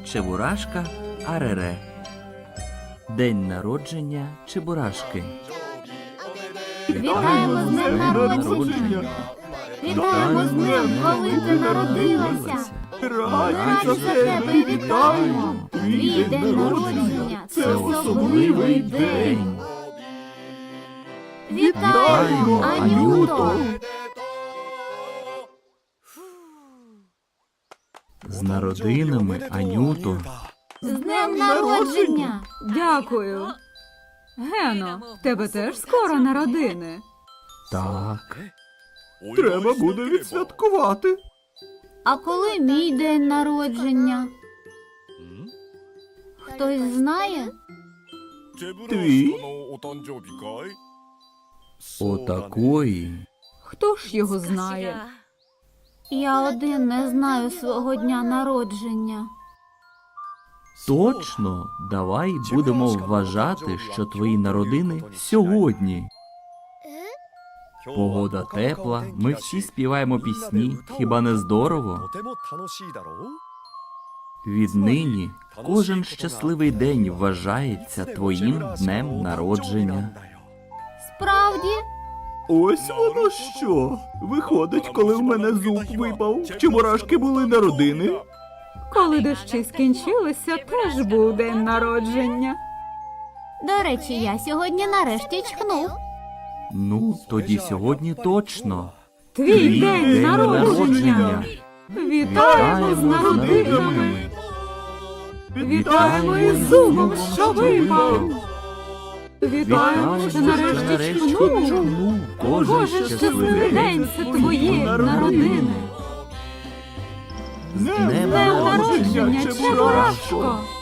Чебурашка Арере. День народження Чебурашки. Вітаємо з днем народження! Вітаємо з днем, коли ти народилася! Раді за тебе вітаємо! Твій день народження – це особливий день! Вітаємо, Анюто! З народинами, Анюто. З днем народження! Дякую. Гено, в тебе теж скоро народини. Так. Треба буде відсвяткувати. А коли мій день народження? Хтось знає? Твій? Отакої. Хто ж його знає? Я один не знаю свого дня народження. Точно, давай будемо вважати, що твої народини сьогодні. Погода тепла, ми всі співаємо пісні, хіба не здорово? Віднині кожен щасливий день вважається твоїм днем народження. Справді? Ось воно що. Виходить, коли в мене зуб випав, в Чебурашки були народини. Коли дощі скінчилися, теж був день народження. До речі, я сьогодні нарешті чхнув. Ну, тоді сьогодні точно. Твій день народження! Вітаємо з народинами! Вітаємо із зубом, що випав! Вітаємо, що нарешті чхнув! Кожен щасливий день – це твої народини! З днем Днем народження, Чебурашко!